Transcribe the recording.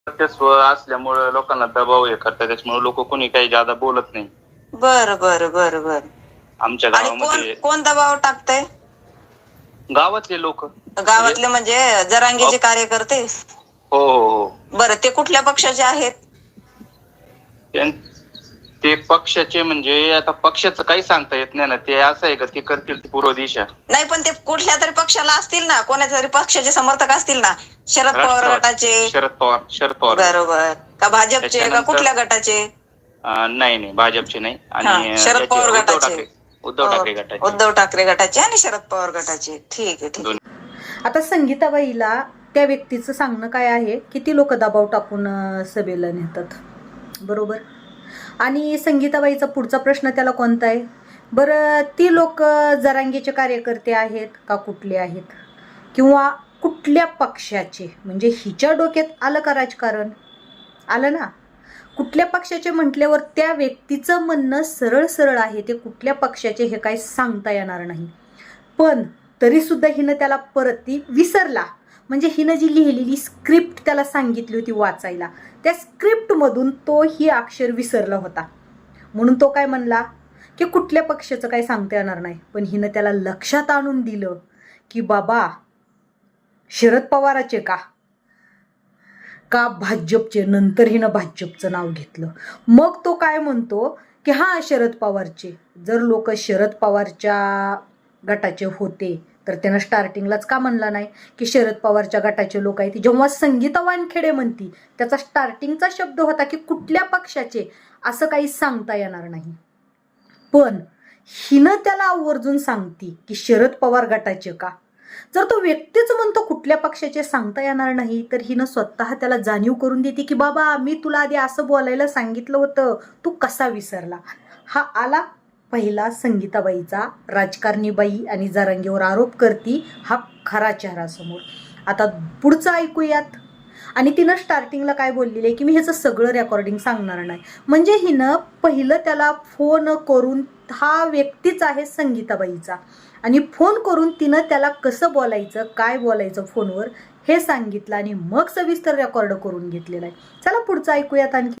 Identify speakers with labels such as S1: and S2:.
S1: वर्चस्व असल्यामुळे लोकांना दबाव हे करतात, त्याच्यामुळे लोक कोणी काही जादा बोलत नाही.
S2: बर बर बर बर.
S1: आमच्या
S2: आणि
S1: गावामध्ये
S2: कोण दबाव टाकतंय?
S1: गावातले लोक.
S2: गावातले म्हणजे जरांगेचे कार्यकर्ते?
S1: हो हो हो.
S2: बरं, ते कुठल्या पक्षाचे आहेत?
S1: ते पक्षाचे म्हणजे आता पक्षाचं काही सांगता येत नाही ना, ते असं आहे का ते करतील पूर्व दिशा.
S2: नाही, पण ते कुठल्या तरी पक्षाला असतील ना, कोणाच्या तरी पक्षाचे समर्थक असतील ना. शरद पवार गटाचे?
S1: शरद पवार.
S2: बरोबर. का भाजपचे का कुठल्या गटाचे?
S1: नाही नाही, भाजपचे नाही. आणि
S2: शरद पवार गटाचे.
S1: उद्धव ठाकरे गटाचे.
S2: उद्धव ठाकरे गटाचे आणि शरद पवार गटाचे. ठीक आहे ठीक आहे.
S3: आता संगीताबाईला त्या व्यक्तीचं सांगणं काय आहे, किती लोक दबाव टाकून सभेला नेतात, बरोबर. आणि संगीताबाईचा पुढचा प्रश्न त्याला कोणता आहे, बरं, ती लोक जरांगेचे कार्यकर्ते आहेत का कुठले आहेत, किंवा कुठल्या पक्षाचे? म्हणजे हिच्या डोक्यात आलं का राजकारण? आलं ना. कुठल्या पक्षाचे म्हटल्यावर त्या व्यक्तीचं म्हणणं सरळ सरळ आहे, ते कुठल्या पक्षाचे हे काही सांगता येणार नाही. पण तरीसुद्धा हिनं त्याला परत ती विसरला. म्हणजे हिनं जी लिहिलेली स्क्रिप्ट त्याला सांगितली होती वाचायला, त्या स्क्रिप्टमधून तो ही अक्षर विसरला होता. म्हणून तो काय म्हणला की कुठल्या पक्षाचं काही सांगता येणार नाही. पण हिनं त्याला लक्षात आणून दिलं की बाबा शरद पवाराचे का भाजपचे. नंतर हिनं भाजपचं नाव घेतलं. मग तो काय म्हणतो की हां शरद पवारचे. जर लोक शरद पवारच्या गटाचे होते तर त्यानं स्टार्टिंगलाच का म्हणला नाही की शरद पवारच्या गटाचे लोक आहेत? जेव्हा संगीता वानखेडे म्हणती त्याचा स्टार्टिंगचा शब्द होता की कुठल्या पक्षाचे, असं काही सांगता येणार नाही. पण हिनं त्याला आवर्जून सांगती की शरद पवार गटाचे का. जर तो व्यक्तीच म्हणतो कुठल्या पक्षाचे सांगता येणार नाही, तर हिनं स्वतः त्याला जाणीव करून देते की बाबा मी तुला आधी असं बोलायला सांगितलं होतं, तू कसा विसरला. हा आला पहिला संगीताबाईचा राजकारणी बाई आणि जरांगेवर आरोप करती हा खरा चेहरा समोर. आता पुढचं ऐकूयात. आणि तिनं स्टार्टिंगला काय बोललेलं आहे की मी ह्याचं सगळं रेकॉर्डिंग सांगणार नाही. म्हणजे हिनं पहिलं त्याला फोन करून, हा व्यक्तीच आहे संगीताबाईचा, आणि फोन करून तिनं त्याला कसं बोलायचं, काय बोलायचं फोनवर हे सांगितलं आणि मग सविस्तर रेकॉर्ड करून घेतलेलं आहे. चला पुढचं ऐकूयात आणखी.